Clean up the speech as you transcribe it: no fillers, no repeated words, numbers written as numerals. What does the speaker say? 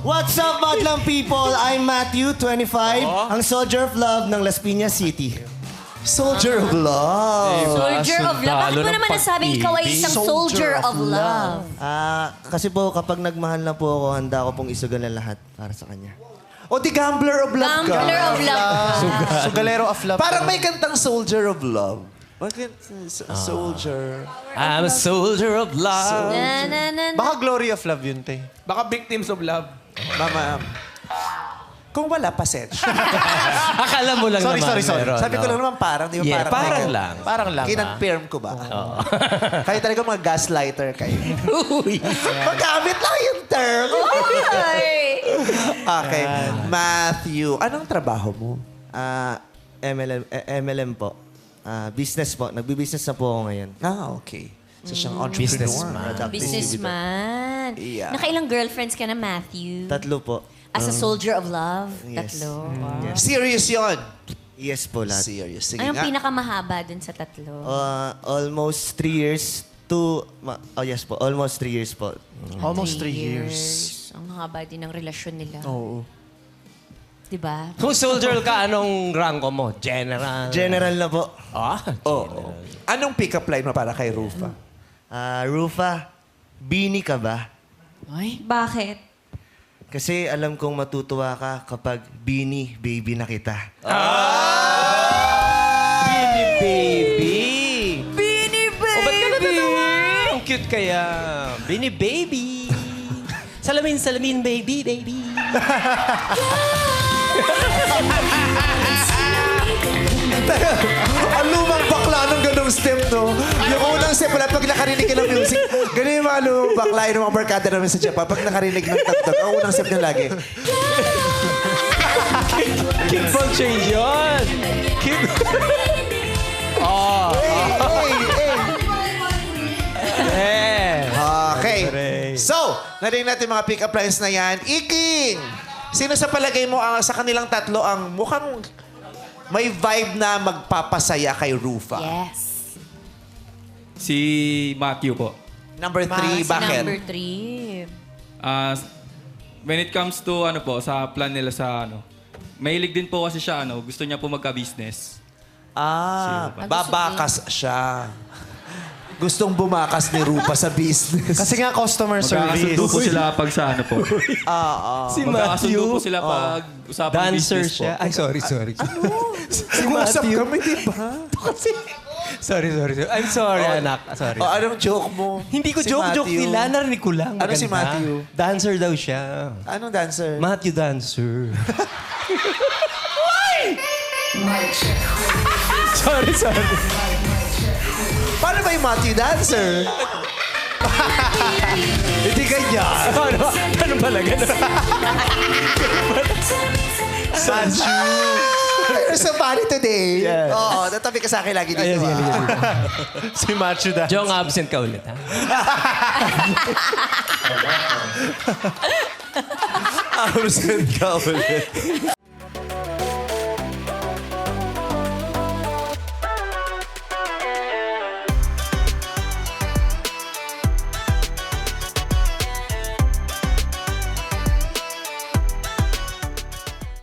What's up, madlang people? I'm Matthew, 25, ang Soldier of Love ng Las Piñas City. Soldier of Love. Soldier of Love. Bakit mo naman nasabing ikaw ay isang soldier of love? Kasi po, kapag nagmahal na po ako, handa ko pong isugan ang lahat para sa kanya. O di Gambler of Love ka. Gambler of love. Sugalero of love. Parang may kantang Soldier of Love. Bakit? Soldier. I'm a soldier of love. Na, na, na, na. Baka glory of love yun, te. Baka victims of love. Mama. Kung wala, pasensya. Akala mo lang Sorry, naman. sorry, sorry. meron, Sabi ko no? lang naman parang, di ba? Yeah, parang may- lang. Parang lang. Kinonfirm ko ba? Kayo talaga mga gaslighter kayo. Magamit lang yung term. Ay. Okay. Matthew, anong trabaho mo? MLM po. Business po. Nagbi-business na po ako ngayon. Okay. So siyang entrepreneur. Businessman. Businessman. Yeah. Nakailang girlfriends ka na, Matthew? 3 po. As a soldier of love? Yes. 3. Wow. Serious yon. Yes po, lahat. Serious. Sige Anong nga. pinakamahaba dun sa 3? Almost 3 years yes po. Almost 3 years po. Almost 3 years. Ang haba din ng relasyon nila. Oo. Diba? Kung soldier ka, anong rango mo? General? General na po. Oo. Anong pick-up line mo para kay Rufa? Rufa, bini ka ba? Bakit? Kasi alam kong matutuwa ka kapag bini, baby na kita. Bini baby. Bini O, ba't ka baby? Ang cute kaya. Bini baby. Salamin, salamin, baby, baby. Ang lumang bakla nung ganong step, no? Yung unang step, wala pag nakarinig ka ng music. Ganun yung mga lumang bakla, yung mga barkada namin sa Japan. Pag nakarinig ng tagtag, ang unang step niya lagi. Kid ball change yun. Kid... Oh. Okay. So, narinig natin mga pick-up lines na yan. Iking! Sino sa palagay mo sa kanilang tatlo ang mukhang may vibe na magpapasaya kay Rufa? Yes. Si Matthew po. Number 3, bakit? Number 3. When it comes to sa plan nila sa mahilig din po kasi siya gusto niya po magka-business. Babakas siya. Gustong bumakas ni Rufa sa business. Kasi nga customer Magkakasundo po service. sila pag sa po. Si Magkakasundo po Matthew. sila pag usapang Dancer business siya. po. Ay, sorry. Usap kami, di ba? Sorry. I'm sorry, anak. Sorry. Anong joke mo? Hindi ko Si joke Matthew. nila. Narinig ko lang. Ano si Maganda. Matthew? Dancer daw siya. Anong dancer? Matthew Dancer. sorry. Paano ba yung Matthew dancer? Hindi ganyan. Ano pala? Sanju. You're so funny today. Yeah. Oo, natabi ka sa akin lagi dito. Si Macho da. Jong, absent ka ulit, ha? Absent ka ulit.